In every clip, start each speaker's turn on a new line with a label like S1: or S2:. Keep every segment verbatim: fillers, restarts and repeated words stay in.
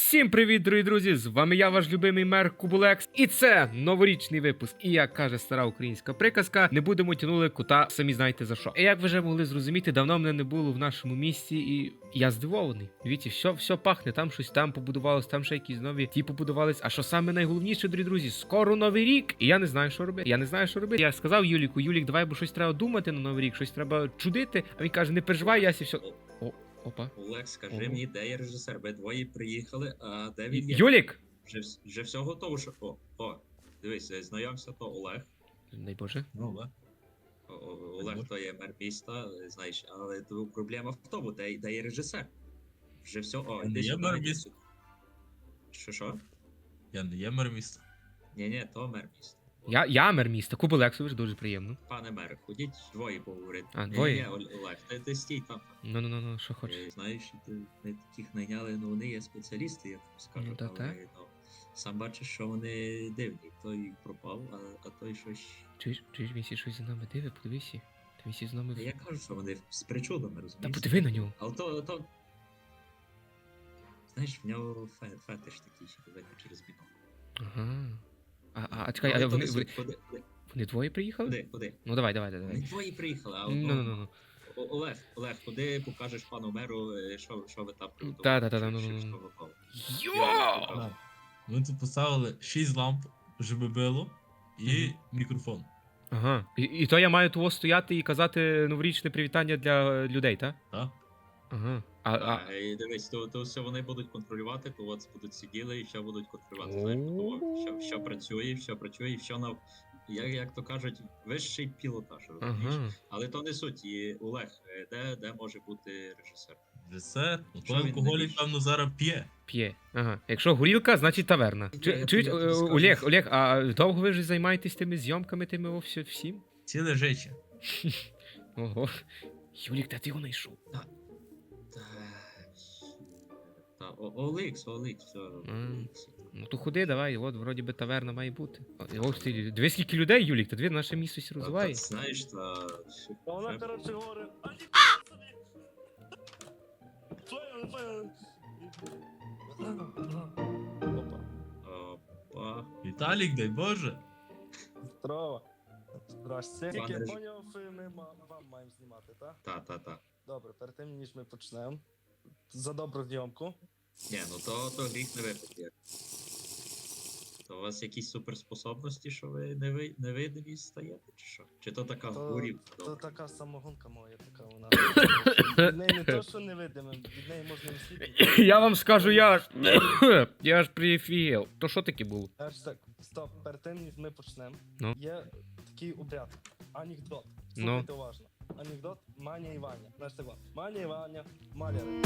S1: Всім привіт, дорогі друзі! З вами я, ваш любимий мер Кубулекс. І це новорічний випуск. І як каже стара українська приказка, не будемо тянули кота, самі знаєте за що. І як ви вже могли зрозуміти, давно мене не було в нашому місті, і я здивований. Дивіться, все, все пахне, там щось там побудувалось, там ще якісь нові ті побудувались. А що саме найголовніше, дорогі друзі, скоро новий рік. І я не знаю, що робити. Я не знаю, що робити. Я сказав Юліку, Юлік, давай, бо щось треба думати на новий рік, щось треба чудити. А він каже, не переживай, Ясі, все. О, опа.
S2: Олег, скажи
S1: Ого.
S2: мені, де є режисер? Ви двоє приїхали, а де він є?
S1: Юлік!
S2: Вже, вс- вже все готово, що... О, о, дивись, е, знайомся, то Олег.
S1: Дай Боже.
S3: Ну, да.
S2: О, о, Олег то є мер міста, е, знаєш, але то проблема в тому, де, де є режисер. Вже все, о,
S3: Я не
S2: іди
S3: є
S2: сюди,
S3: мер
S2: іди
S3: міста.
S2: сюди. Що, що?
S3: Я не є мер міста.
S2: Ні-ні, то мер міста.
S1: Я, я мер міста, Кубулексович, дуже приємно.
S2: Пане мер, ходіть двоє поговорити.
S1: А,
S2: Ні,
S1: двоє?
S2: Ні, Ол- Олег, ти, ти стій там.
S1: Ну, ну, ну, ну, що хочеш.
S2: Е, Знаєш, ти, ми таких найняли, ну вони є спеціалісти, я тобі скажу.
S1: Ну, та
S2: але,
S1: так.
S2: ну, сам бачиш, що вони дивні. Той пропав, а, а той щось.
S1: Чуєш, чуєш, він сі щось за нами диви, подивися. Та він сі з нами...
S2: Та Я кажу, що вони з причудами,
S1: Та
S2: розумієш?
S1: подиви на нього.
S2: Але то, то... Знаєш, в нього фе- фетиш такий, що видно через бінокль.
S1: Ага. А, а, а чекай,
S2: Але
S1: а
S2: то
S1: вони,
S2: не
S1: вони,
S2: суть. Ходи, ходи,
S1: вони двоє приїхали?
S2: ходи, ходи.
S1: Ну давай, давай,
S2: Вони
S1: давай.
S2: двоє приїхали, а
S1: Ну,
S2: одного...
S1: ну, ну, ну.
S2: О- Олег, Олег, куди покажеш пану меру, е, що, що ви там приготували?
S1: Та-та-та,
S2: що-
S1: ну,
S2: що-
S1: ну,
S2: що
S1: ну.
S2: готово.
S1: Йо!
S2: покажу.
S3: Ми тут поставили шість ламп, щоб било, і мікрофон.
S1: Ага. І, і то я маю того стояти і казати новорічне привітання для людей, так?
S3: Так?
S1: Ага. А, а...
S2: А, і дивись, то, то все вони будуть контролювати, то от будуть сиділи і все будуть контролювати. Знаєш, то, що, що працює, що працює, і що на як, як то кажуть, вищий пілотаж, розумієш?
S1: Ага.
S2: Але то не суть. І Олег, е, де, де може бути режисер?
S3: Режисер, ну
S2: Що
S3: той
S2: він
S3: алкоголік,
S2: навіщо?
S3: певно, зараз п'є.
S1: П'є. Ага. Якщо горілка, значить таверна.
S2: Я-
S1: Чи,
S2: я
S1: чуєш,
S2: тобі
S1: е,
S2: скажу.
S1: Олег, Олег, а довго ви ж займаєтесь тими зйомками, тими о, всі- всім?
S3: Ціле життя.
S1: Ого. Юлік, де ти його знайшов?
S2: Та, та, О- Олекс, Олекс, все.
S1: М.
S2: Олекс.
S1: Ну то ходи, давай, от вроді би таверна має бути. О, ось ти, дивись скільки людей, Юлік, та дві наше місто сі
S2: Та-
S1: розвиває.
S2: та, Знаєш, та...
S4: А вона,
S2: вже-
S4: коротше, говорить, а ні, собі. Твоя, твоя. Опа.
S2: Опа.
S3: Віталік, дай Боже.
S4: Здорово. Здрасте.
S2: Пане
S4: Тільки я
S2: Режим.
S4: поняв, ми ма- вам маємо знімати, так?
S2: Та, та, та.
S4: Добре, перед тим, ніж ми почнемо. За добру зйомку.
S2: Ні, ну то, то гріх не випити. То у вас якісь суперспособності, що ви не ви- невидимі стаєте, чи що? Чи то така
S4: То,
S2: горівка?
S4: то
S2: добре?
S4: така самогонка моя, така вона. Від неї не то, що невидимим, від неї можна мислити.
S1: Я вам скажу, я аж. Я аж прифігел. То що таке було?
S4: Аж так, стоп, перед тим, ніж ми почнемо,
S1: Ну.
S4: є такий обряд. Анекдот.
S1: Ну.
S4: Слухайте уважно. Анекдот Маня і Ваня. Знаєш так, Маня і Ваня, маляри.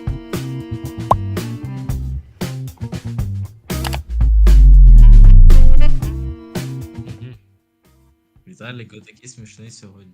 S1: Мгм.
S3: Віталік, ви такий смішний сьогодні.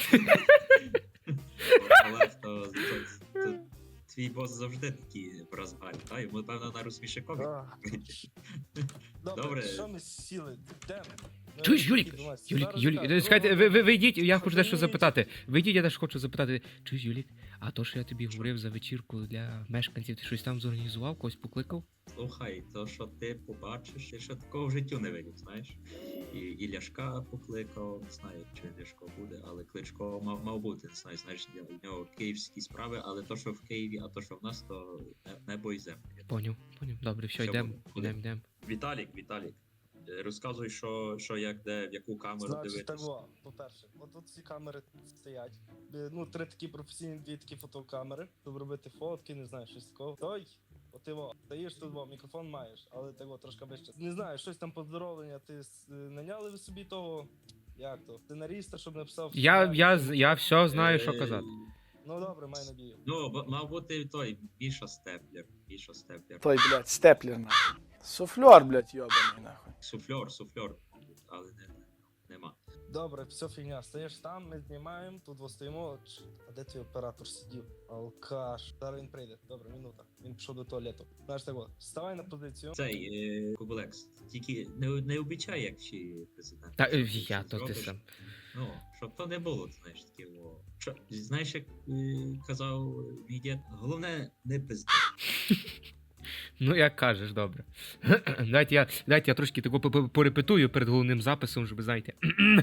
S2: Олег, то, то, то твій бос завжди такий в розгарі, та? Йому, певно, на розсмішикові.
S4: А.
S2: Добре.
S4: Добре, що ми сіли? Де? ми?
S1: Чуєш, Юлік?
S4: Які думаєш?
S1: Юлік,
S4: Зараз
S1: Юлік,
S4: так,
S1: чекайте, ви,
S4: друга-
S1: ви, ви йдіть, я хочу дещо
S4: Ходіть.
S1: запитати. Ви йдіть, я теж хочу запитати. Чуєш, Юлік, а то, що я тобі говорив за вечірку для мешканців, ти щось там зорганізував, когось покликав?
S2: Слухай, то, що ти побачиш, ти ще такого в життю не видів, знаєш? І, і Ляшка покликав, не знаю, чи Ляшко буде, але Кличко мав, мав бути, не знаю, знаєш, в нього київські справи, але то, що в Києві, а то, що в нас, то не- небо і земля.
S1: Поняв, поняв. Добре, все,
S2: Що
S1: йдемо,
S2: буде? Куди?
S1: йдемо, йдемо.
S2: Віталік, Віталік, е, розказуй, що, що як, де, в яку камеру
S4: Значить, так,
S2: дивитися.
S4: во, по-перше, от тут ці камери стоять. Е, Ну, три такі професійні, дві такі фотокамери, щоб робити фотки, не знаю, щось такого. Той, от ти во, стоїш тут, во, мікрофон маєш, але так во, трошки вище. Не знаю, щось там поздоровлення, ти с- е, наняли ви собі того, як то, сценаріста, щоб написав.
S1: Я,
S4: сценарій.
S1: я, з- я все знаю, що
S2: Е,
S1: казати.
S4: Ну добре, маю надію.
S2: Ну, б- мав бути той, Міша Степлер, Міша Степлер.
S5: Той, блядь, степлер нахуй. Суфлер, блядь, йобаний нахуй.
S2: Суфльор, суфльор, але не, нема.
S4: Добре, все фігня. Стоїш там, ми знімаємо, тут во стоїмо. Ч- А де твій оператор сидів? Алкаш. Зараз він прийде. Добре, минута. Він пішов до туалету. Знаєш так от, вставай на позицію.
S2: Цей е, Кубелекс, тільки не, не обіцяй, як чи президент.
S1: Та е,
S2: Що
S1: я,
S2: ти
S1: то ти
S2: зробиш?
S1: сам.
S2: Ну, щоб то не було, знаєш, таке. О. Що, знаєш, як е, казав мій дід, головне не пизди.
S1: Ну, як кажеш, добре. Дайте я, дайте я трошки тако по- по- порепетую перед головним записом, щоб, знаєте.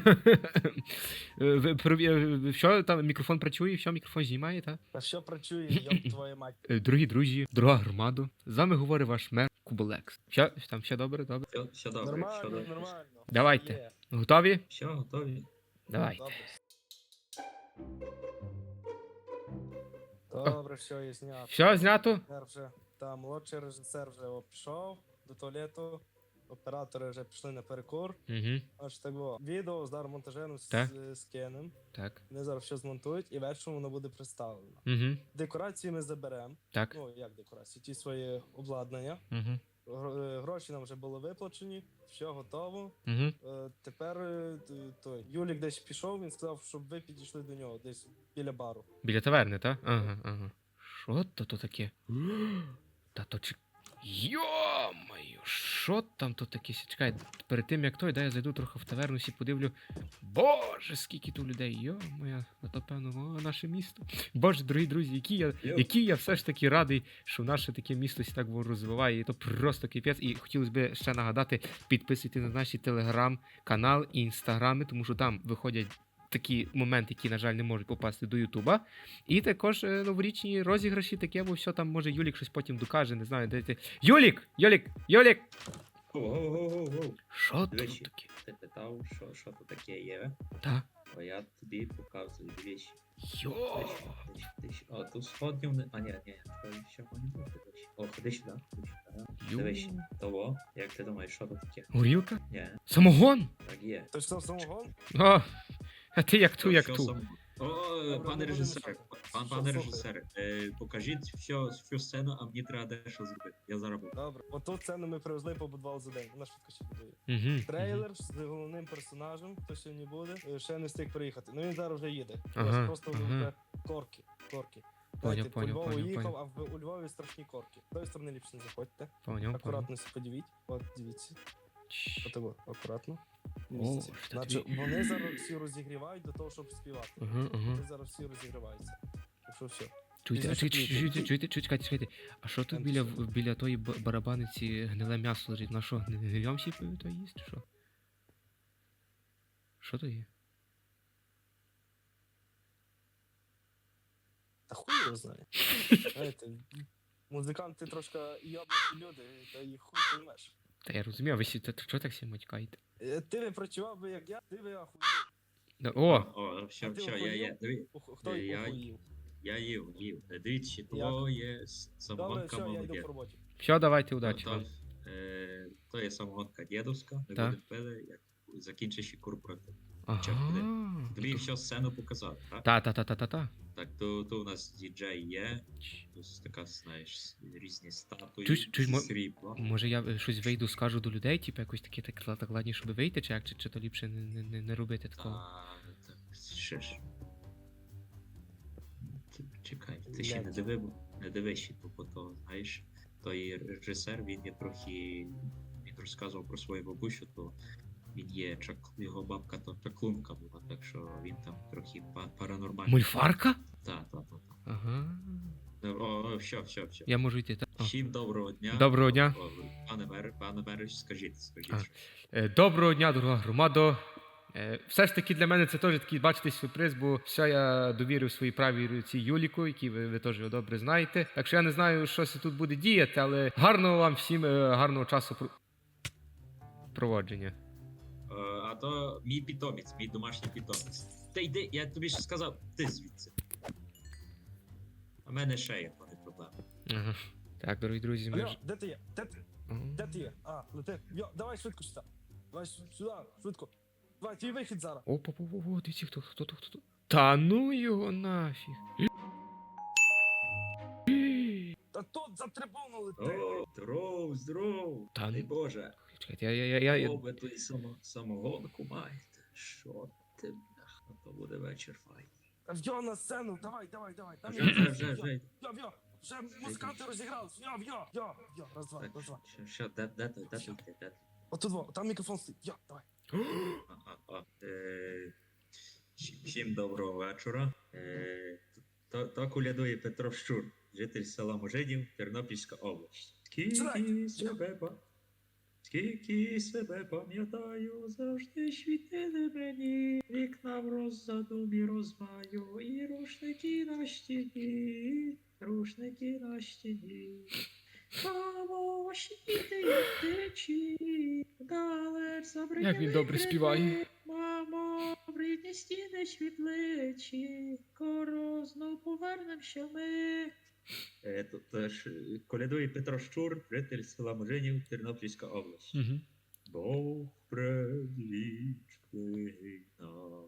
S1: Ви- прові- Що там, мікрофон працює, що мікрофон знімає, так?
S4: А що працює, йоп твою мать.
S1: Е, Дорогі друзі, дорога громада, з вами говорить ваш мер Куболекс. Що, там все добре, добре?
S2: Все, все добре, все
S4: Нормально,
S2: добре.
S4: нормально.
S1: Давайте.
S4: Є.
S1: Готові?
S2: Все, готові.
S1: Давайте.
S4: Добре. Добре, все, є знято.
S1: Все знято?
S4: Режисер вже, та, молодший режисер вже о, пішов до туалету, оператори вже пішли на перекур.
S1: Угу.
S4: Аж того відео з монтажем
S1: Так.
S4: з, з Кеном.
S1: Так.
S4: Вони зараз все змонтують і вечором воно буде представлено.
S1: Угу.
S4: Декорації ми заберемо.
S1: Так.
S4: Ну, як декорації? Ті свої обладнання.
S1: Угу.
S4: Гро- е, Гроші нам вже були виплачені, все готово.
S1: Угу.
S4: Е, Тепер е, т- той Юлік десь пішов, він сказав, щоб ви підійшли до нього, десь біля бару.
S1: Біля таверни, так? Ага, ага. Що то то таке? Та то чи. Йо-моє, що там то таке? Чекай, перед тим як той, дай я зайду трохи в таверну, всі подивлю. Боже, скільки тут людей, йо-моє, а то певно, о, наше місто. Боже, дорогі друзі, які я,
S2: Йо.
S1: які я все ж таки радий, що наше таке місто сі так розвиває. І то просто кипець. І хотілося б ще нагадати, підписуйтесь на наші телеграм-канал і інстаграми, тому що там виходять такі моменти, які, на жаль, не можуть попасти до Ютуба. І також е, новорічні розіграші, таке, бо все там може Юлік щось потім докаже, не знаю, де ти. Юлік! Юлік! Юлік!
S2: Ого-го-го-го.
S1: Що тут
S2: Двічі.
S1: таке?
S2: Ти питав, що, що тут таке є,
S1: Та?
S2: а я тобі показую двічі.
S1: Йо!
S2: Двічі, двічі, двічі. О, тут сходнів не... А, ні, ні, то ще не буде двічі. О, ходи сюди, ходи сюди.
S1: Йо!
S2: Дивись, того, як ти думаєш, що тут таке?
S1: Горілка?
S2: Ні,
S1: Самогон?
S2: так є.
S4: Той що самогон?
S1: О! А ти як ту, як
S2: Що
S1: ту.
S2: сам- О,
S4: Добре,
S2: пане
S4: не
S2: режисер,
S4: будемо
S2: пан,
S4: Що,
S2: пане
S4: слухай.
S2: режисер, е, покажіть всю, всю сцену, а мені треба дещо зробити. Я зараз буду.
S4: Добре. Оту сцену ми привезли і побудували за день. Вона швидко ще будує.
S1: Угу.
S4: Трейлер з головним персонажем, хто сьогодні буде, е, ще не встиг приїхати. Ну він зараз вже їде. У
S1: Ага,
S4: нас просто
S1: ага.
S4: вже корки. Корки.
S1: Поняв,
S4: Знаєте,
S1: поняв,
S4: по Львову
S1: поняв,
S4: їхав,
S1: поняв.
S4: а в у Львові страшні корки. З тої сторони ліпше не заходьте.
S1: Поняв, поняв.
S4: Акуратно себе подивіть. От дивіться.
S1: Чш.
S4: Отого, акуратно.
S1: О,
S4: Місяці.
S1: що
S4: Значить,
S1: тобі-
S4: вони зараз всі розігрівають до того, щоб співати.
S1: Ага, ага.
S4: Вони зараз всі розігріваються. Так що все.
S1: Чуєте, а
S4: Пізніше
S1: чуєте,
S4: приїдете.
S1: чуєте, чуєте, чуєте, чекайте, чекайте. А що тут
S4: Там
S1: біля,
S4: все.
S1: біля тої б- барабаниці гниле м'ясо лежить? На що, не гнильом всі то їсть, чи що? Що то є?
S4: Та хуй його знає. Знаєте, музиканти трошки йобнуті люди, та їх хуй поймеш.
S1: Та я розумію, а ви сі, та- та чого так всі матькаєте?
S4: Е, Ти не працював би як я, ти би ахуїв.
S1: Да, О!
S2: О, все,
S4: А ти
S2: все, я
S4: охуєв?
S2: є. Диві,
S4: Оху- Хто
S2: Е,
S4: їх
S2: я-
S4: охуїв?
S2: я їв, їв. Е, Дивіться, то є с-
S4: Добре,
S2: самогонка
S4: все, я йду
S2: молодець.
S4: по роботі.
S1: Все, давайте,
S2: То,
S1: удачі
S2: то,
S1: вам.
S2: е, то є самогонка дідовська, ми
S1: Так.
S2: будемо пили, як закінчиш корпоратив.
S1: Ага.
S2: Тобі всю сцену показати, так?
S1: Та-та-та-та-та-та.
S2: Так, то, то у нас діджей є, тут така, знаєш, різні статуї,
S1: Чуєш- чуєш, мо-
S2: срібло.
S1: Може я е, щось вийду, скажу до людей, типу якось таке так, так ладні, щоб вийти, чи як, чи, чи то ліпше не, не, не, не робити такого?
S2: А, так, ще ж. Т- Чекай, ти ще не
S4: Блядь.
S2: дивив, не дивись ще тупо то, знаєш. Той режисер, він є трохи. Він розказував про свою бабусю, то він є чак, його бабка то чаклунка була, так що він там трохи па- паранормальний.
S1: Мульфарка?
S2: Так, так, так.
S1: Ага.
S2: О, о, все, все, все.
S1: Я можу йти, так? О.
S2: Всім доброго дня.
S1: Доброго дня.
S2: О, Пане мер, пане мер, скажіть, скажіть.
S1: А.
S2: що.
S1: Е, Доброго дня, дорога громадо. Е, Все ж таки для мене це теж такий, бачите, сюрприз, бо все я довірив своїй правій руці Юліку, який ви, ви теж його добре знаєте. Так що я не знаю, що це тут буде діяти, але гарного вам всім е, гарного часу про- проводження.
S2: Е, А то мій питомець, мій домашній питомець. Та йди, я тобі ще сказав, ти звідси. А в мене ще є пане проблеми.
S1: Ага. Так, дорогі друзі, ми
S4: Алло,
S1: ж.
S4: де ти є? Де ти?
S1: Ага.
S4: Де ти є? А, лети. Йо, давай швидко сюди. Давай сю- сюди, швидко. Давай, твій вихід зараз.
S1: Опа, опа, опа, дивіться, хто, хто, хто, хто. Та ну його нафіг.
S4: Та тут за трибуну лети.
S2: О, здоров, здоров.
S1: Та
S2: Дай
S1: ну.
S2: Боже.
S1: Чекайте, я, я, я, я, я...
S2: О, ви тут само, самогонку маєте. Що ти, бляха, то буде вечір файний.
S4: Та в'йо на сцену, давай, давай, давай. Там
S2: Вже,
S4: є-
S2: вже, вже, вже.
S4: В'йо, в'йо. Вже музиканти розігрались. В'йо, в'йо, в'йо, в'йо. Раз, два,
S2: Так,
S4: раз, два.
S2: що, що, де, де, де, де, де, де, де?
S4: Отут во, там мікрофон стоїть. В'йо, давай.
S2: А, а, а, е, всі- Всім доброго вечора. Е, То, то колядує Петро Щур, житель села Можинів, Тернопільська область. Скільки себе, па- скільки себе пам'ятаю, завжди світили мені, вікна в роззадумі розмаю, і рушники на стіні, рушники на стіні. Мамо, світи, як течі, далеч забринили
S1: Як він добре співає.
S2: крики. Мамо, брідні стіни світличі, скоро знов повернемося ми. Е, то, то ж, е, колядує Петро Щур, житель села Можинів, Тернопільська область.
S1: Угу.
S2: Бог предвічний нам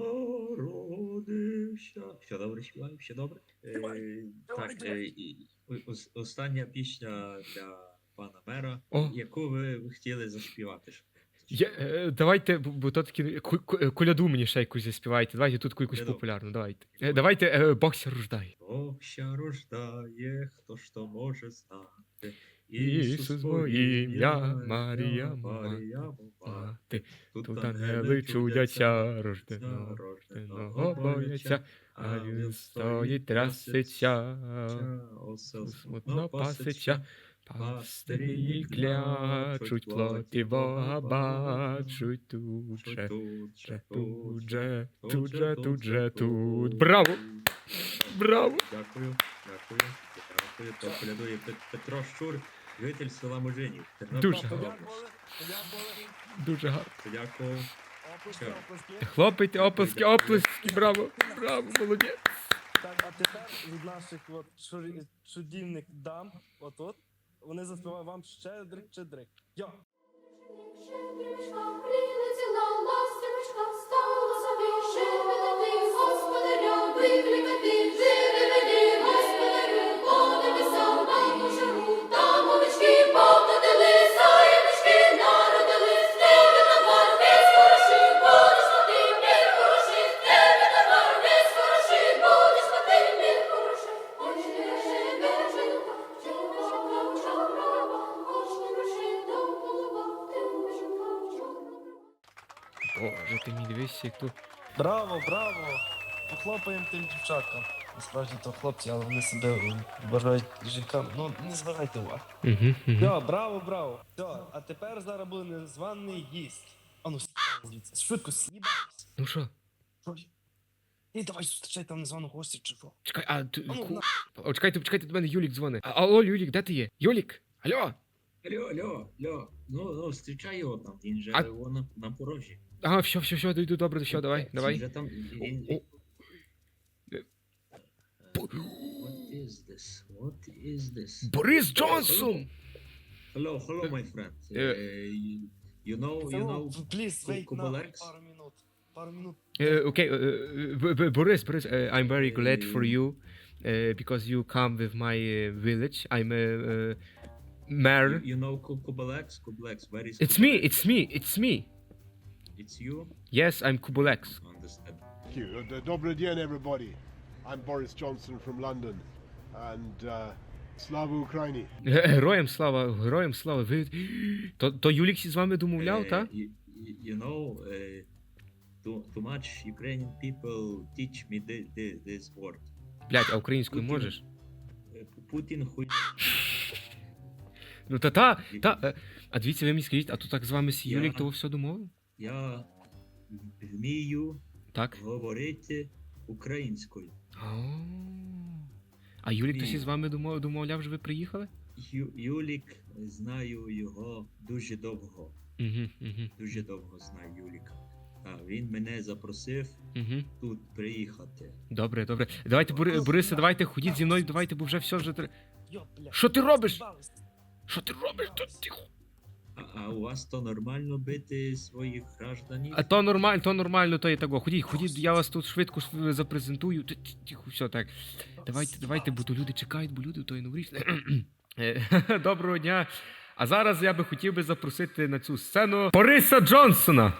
S2: народився. Все добре співаю, все добре. Е,
S4: Давай, давай,
S2: так,
S4: давай.
S2: е, і, о- ос- остання пісня для пана мера,
S1: О.
S2: яку ви б хотіли заспівати. щоб-
S1: Я, е, давайте, бо, бо то таки ку- ку- е, коляду мені ще якусь заспівайте. Давайте тут якусь
S2: Коляду.
S1: популярну, давайте. Е, давайте е, Бог ся рождає.
S2: Бог ся рождає, хто ж то може знати.
S1: Ісус моє ім'я, Марія,
S2: Марія,
S1: мати.
S2: мати.
S1: Ти
S2: Тут
S1: тут
S2: ангели
S1: ангели
S2: чудяться,
S1: чудяться, рожденого, рожденого бояться, а він стоїть, трясеться,
S2: осел
S1: смутно паситься. Пастирі клячуть, плоті Бога бачуть, тут же, же, тут же, тут же, тут же, тут. Браво! Браво!
S2: Дякую, дякую, дякую. То колядує Пет- Петро Щур, житель села Можинів.
S1: Дуже
S2: Тернопільська
S1: гарно.
S2: область.
S4: Подякували, подякували.
S1: Дуже гарно.
S2: Дякую.
S4: Оплески,
S2: Що?
S4: оплески.
S1: Хлопайте, оплески, оплески, браво, браво, молодець.
S4: Так, а тепер від наших от чур- чудівних дам, отут, вони заспівають вам щедрик, щедрик. Йо!
S6: Щедрівочка прилетіла, ластівочка стала собі, шепотати, господаря викликати, живи мені, господарю, по небесам нам пожару, там овечки покотили, заєночки народились, тебе товар весь хороший, будеш мати мір хороший, тебе товар весь хороший, будеш мати мір хороший. Ой, не гроши, бережинка, чорношенька, чорнова, ой, не гроши, до голова, ти вишенька, чорнова.
S1: Боже, ти мій дивись, як тут.
S4: Браво, браво! Похлопаємо тим дівчаткам. Насправді то хлопці, але вони себе е, вважають жінками. Ну, не звертайте уваги.
S1: Угу, угу.
S4: Все, браво, браво. Все, а тепер зараз буде незваний гість. А ну, с*** звідси, швидко с'їбайся.
S1: Ну що?
S4: Що є? І давай зустрічай там незваного гостя чи що.
S1: Чекай, а ти.
S4: А ну,
S1: ку-
S4: на.
S1: О, чекайте, чекайте, до мене Юлік дзвонить. А, алло, Юлік, де ти є? Юлік? Алло?
S2: Алло, алло, алло. Ну, ну, зустрічай його там, він же
S1: А-
S2: вон на, на порожі.
S1: Ага, все, все, все, йду, добре, все, давай,
S2: Він
S1: давай.
S2: же там, він,
S1: О, о.
S2: Е, What is this? What is this?
S1: Борис Джонсон!
S2: Hello, hello, my friend.
S1: Е.
S2: Uh, you, you know, you know,
S4: Please, wait
S2: Ку-
S4: на
S2: Кубалекс?
S4: пару минут. Пару минут.
S1: Е, Окей, е, е, Б- Б- Борис, Борис, е, I'm very glad for
S2: Е.
S1: you, е, because you come with my е, village. I'm a uh, mayor.
S2: you, you know Ku- Kubalex? Kubalex, where is
S1: It's me,
S2: Kubalex?
S1: it's me, it's me.
S2: It's you?
S1: Yes, I'm Kubolex.
S2: Understand.
S7: Thank you. And, uh, Dobry dien, everybody. I'm Boris Johnson from London. And uh, Slava Ukraini.
S1: Ге- Героям слава, героям слава. Ви... То, то Юлік з вами домовляв,
S2: Uh,
S1: так?
S2: you, you- you know, uh, too, too much Ukrainian people teach me thi- thi- this word.
S1: Блять, а українською
S2: Путін.
S1: можеш?
S2: Uh, Putin хуй.
S1: Ну та та, та. е, А дивіться, ви мені скажіть, а то так з вами
S2: Я-
S1: Юлік того все домовив?
S2: Я вмію
S1: Так?
S2: говорити українською.
S1: О. А Юлік
S2: Ні.
S1: тосі з вами домов- домовляв, що ви приїхали?
S2: Ю, Юлік, знаю його дуже довго.
S1: Угу, угу,
S2: Дуже довго знаю Юліка. А він мене запросив
S1: угу.
S2: тут приїхати.
S1: Добре, добре. Давайте, Бори, Борисе, давайте ходіть зі мною, давайте, бо вже все вже. тр-
S4: Йо, бля.
S1: Що ти робиш?
S4: З'їбались.
S1: Що ти робиш? Та тихо.
S2: А, а у вас то нормально бити своїх гражданів?
S1: А то нормально, то нормально, то і того. Ходіть, ходіть, я вас тут швидко ж запрезентую. Т- т- Тихо, все так. Давайте, давайте, бо то люди чекають, бо люди то і новорічне. Е, Доброго дня. А зараз я би хотів би запросити на цю сцену Бориса Джонсона.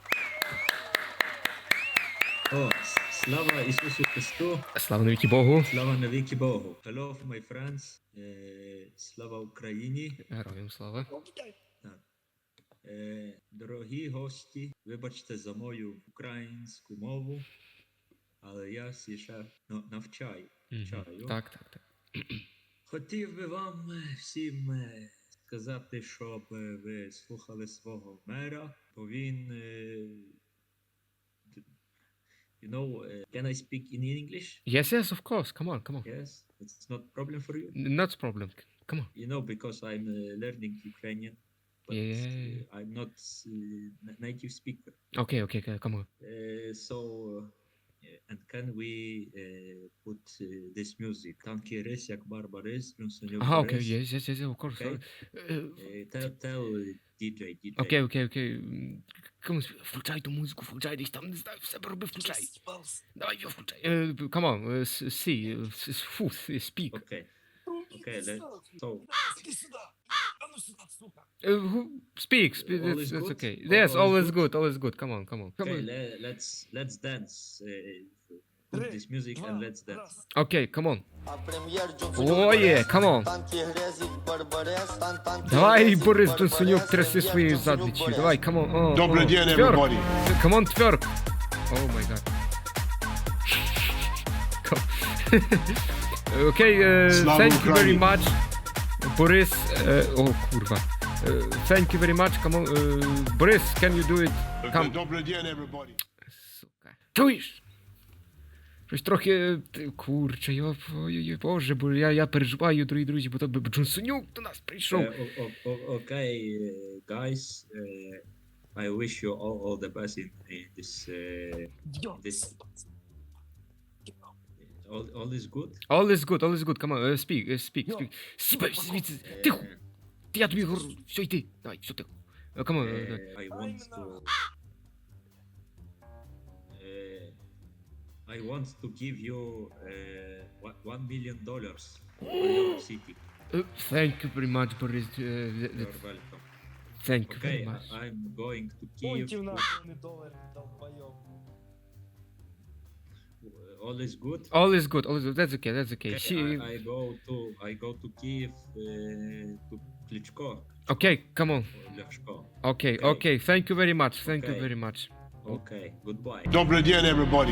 S2: О, с- слава Ісусу Христу,
S1: Слава навіки Богу.
S2: слава навіки Богу. Hello, my friends. Е, слава Україні.
S1: Героям слава.
S2: Так. Е, дорогі гості, вибачте за мою українську мову, але я сі ще ну, навчаю.
S1: Мгм.
S2: Чаю.
S1: Так, так, так.
S2: Хотів би вам е, всім е, сказати, щоб е, ви слухали свого мера, бо він. е, д- You know, uh, can I speak in English?
S1: Yes, yes, of course. Come on, come on.
S2: Yes, it's not problem for you.
S1: Not a problem. Come on.
S2: You know, because I'm uh, learning Ukrainian, but
S1: Yeah.
S2: uh, I'm not uh, na- native speaker.
S1: Okay, okay, okay, come on.
S2: Uh, so, uh, and can we uh, put uh, this music? Танки рис, як барбарис, Брюнсонюк
S1: Ah, okay,
S2: рис.
S1: yes, yes, yes, of course.
S2: Okay.
S1: Uh,
S2: Uh, tell, tell uh, ді джей, ді джей.
S1: Окей, окей, окей. М, Come on, включай ту музику, включай десь там, не знаю, в себе роби, включай. Давай його включай. Е, Come on, е, с- see, е, с- с- фу, с- speak.
S2: Okay. Okay, let's, so,
S4: Іди сюди! А ну сюди, сука!
S1: Е, who- Speak, speak,
S2: All
S1: that's
S2: is
S1: that's
S2: good?
S1: okay.
S2: All-
S1: Yes,
S2: all
S1: all
S2: is
S1: is good, all is good. Come on, come on. Come
S2: okay,
S1: on.
S2: le- let's, let's dance. Uh, put
S4: Три,
S2: this music and
S4: два,
S2: let's dance.
S4: раз.
S1: Окей, come on.
S8: О,
S1: є, come on. Давай, Борис Джонсонюк, тряси своєю задничю. Давай, come on. О,
S7: Добрый
S1: о,
S7: день,
S1: тверк.
S7: everybody.
S1: Come on, тверк. Oh my god. Окей, е,
S7: Слава
S1: thank you very
S7: Україні.
S1: much. Борис, е, о, курва. Е, Thank you very much, come on. е, Борис, can you do it? Come.
S7: Добрый день, everybody.
S1: Сука. Чуєш? Щось трохи, е, ти- курче, йоп, ой-ой-ой, боже, бо я, я переживаю, дорогі друзі, бо то би Джонсонюк до нас прийшов.
S2: Uh, o- o- o- okay, uh, guys, uh, I wish you all, all the best in, in this. Uh,
S4: Йо,
S2: This- all, all is good.
S1: All is good, all is good, come on, е, speak, е, speak,
S4: Йо.
S1: speak. Сібай, звідси,
S2: Uh,
S1: тихо, я тобі говорю, все, йди, давай, все, тихо. Е, Come on, е, е.
S2: uh, I want to. Uh, I want to give you uh, one- one million dollars for your city.
S1: Е, Thank you very much, Борис, е, е,
S2: You're welcome.
S1: thank you
S2: Okay,
S1: very much.
S2: I- I'm going to
S4: Пунктів
S2: Kiev.
S4: нахуй, не долари, долбойоб.
S2: All is good.
S1: All is good, all is good, that's okay, that's okay.
S2: Okay,
S1: She...
S2: I, I go to I go to Kiev uh, to Klitschko
S1: Okay, come on.
S2: or Ляшко.
S1: Okay,
S2: Okay.
S1: okay, thank you very much, thank you
S2: Okay.
S1: very much.
S2: Okay, goodbye.
S7: Добрый день, everybody.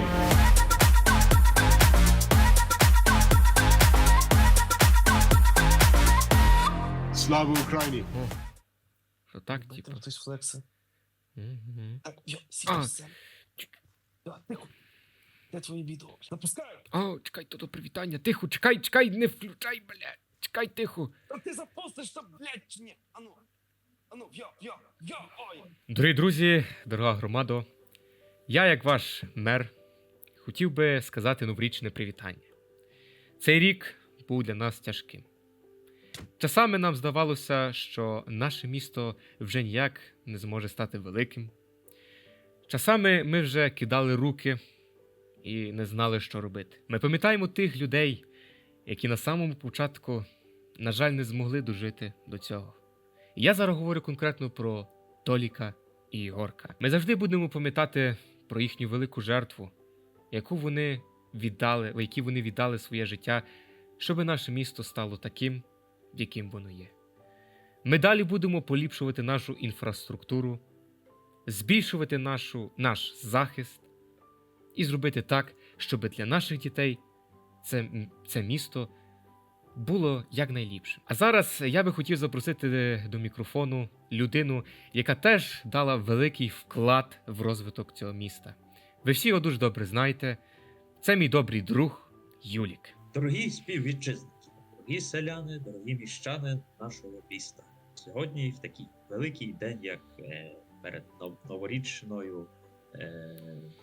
S7: Слава Україні.
S1: Що так,
S4: Бать,
S1: типу?
S4: там хтось флекси.
S1: Мгм.
S4: Так, йо,
S1: А.
S4: сіпався. Тихо. Де твої відео? Запускаю.
S1: О, чекай, то до привітання, тихо, чекай, чекай, не включай, блядь, чекай, тихо.
S4: Та ти запустиш то, блядь, чи ні? Ану. Ану, йо, йо, йо, ой.
S1: Дорогі друзі, дорога громадо, я, як ваш мер, хотів би сказати новорічне привітання. Цей рік був для нас тяжким. Часами нам здавалося, що наше місто вже ніяк не зможе стати великим. Часами ми вже кидали руки і не знали, що робити. Ми пам'ятаємо тих людей, які на самому початку, на жаль, не змогли дожити до цього. І я зараз говорю конкретно про Толіка і Ігорка. Ми завжди будемо пам'ятати про їхню велику жертву, яку вони віддали, в якій вони віддали своє життя, щоб наше місто стало таким, яким воно є. Ми далі будемо поліпшувати нашу інфраструктуру, збільшувати нашу, наш захист і зробити так, щоб для наших дітей це, м- це місто було якнайліпшим. А зараз я би хотів запросити до мікрофону людину, яка теж дала великий вклад в розвиток цього міста. Ви всі його дуже добре знаєте. Це мій добрий друг Юлік.
S2: Дорогі співвітчизники, дорогі селяни, дорогі міщани нашого міста. Сьогодні, в такий великий день, як е, перед нов- новорічною е,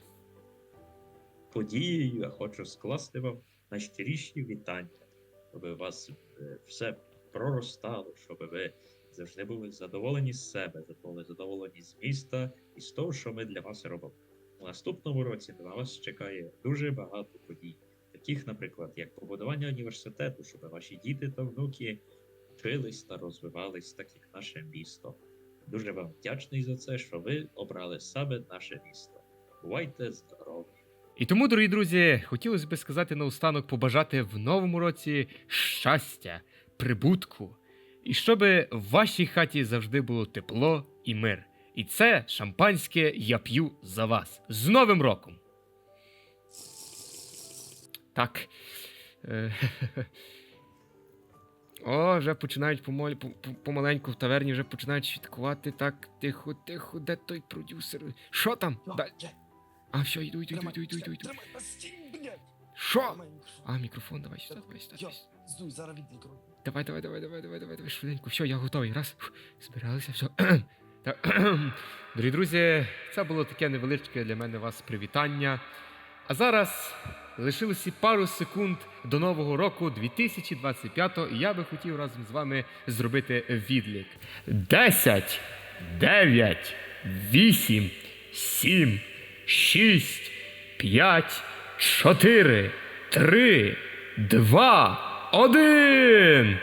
S2: подією, я хочу скласти вам найщиріші вітання, щоб у вас е, все проростало, щоб ви завжди були задоволені з себе, були задоволені з міста і з того, що ми для вас робимо. У наступному році на вас чекає дуже багато подій. Таких, наприклад, як побудування університету, щоб ваші діти та внуки вчились та розвивались, так як наше місто. Дуже вам вдячний за це, що ви обрали саме наше місто. Бувайте здорові!
S1: І тому, дорогі друзі, хотілося б сказати наостанок побажати в новому році щастя, прибутку, і щоб в вашій хаті завжди було тепло і мир. І це шампанське я п'ю за вас. З Новим роком! Так. Е, О, вже починають помоль, по- по- помаленьку в таверні, вже починають святкувати. Так, тихо, тихо, де той продюсер? Що там?
S4: Йо,
S1: Дай.
S4: є,
S1: А, все, йду, йду, йду,
S4: тримай,
S1: йду, йду, йду,
S4: чекай,
S1: йду.
S4: тримай, настій, блядь.
S1: Що?
S4: Тримай мікрофон.
S1: А, мікрофон, давай сюди, давай сюди.
S4: Йо,
S1: давай сюди.
S4: здуй, зараз відлікру.
S1: Давай, давай, давай, давай, давай, давай, давай, швиденько. Все, я готовий. Раз. Фух, збиралися, все. Так. Дорогі друзі, це було таке невеличке для мене вас привітання. А зараз лишилося пару секунд до нового року дві тисячі двадцять п'ятого, і я би хотів разом з вами зробити відлік. Десять, дев'ять, вісім, сім, шість, п'ять, чотири, три, два, один!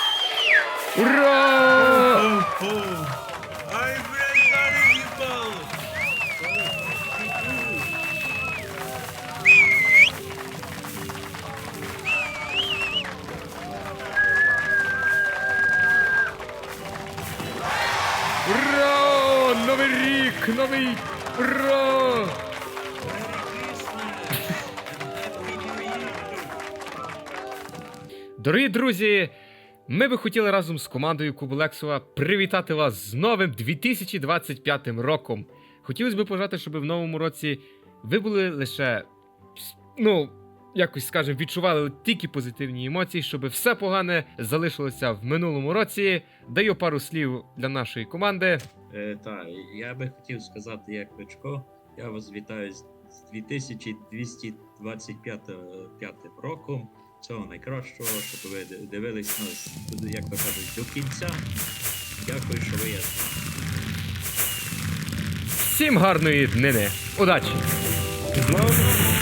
S1: Ура!
S3: О-о! Ай, блядь, далі їбало!
S1: Ура! Новий рік! Новий! Ура! Дорогі друзі, ми би хотіли разом з командою Куболексова привітати вас з новим дві тисячі двадцять п'ятим роком. Хотілося б пожати, щоб в новому році ви були лише, ну, якось, скажімо, відчували тільки позитивні емоції, щоб все погане залишилося в минулому році. Даю пару слів для нашої команди.
S2: Е, так, я би хотів сказати, як Кличко, я вас вітаю з з дві тисячі двісті двадцять п'ятим роком. Всього найкращого, щоб ви д- дивились нас, як то кажуть, до кінця. Дякую, що ви є.
S1: Всім гарної днини! Удачі!
S4: З новим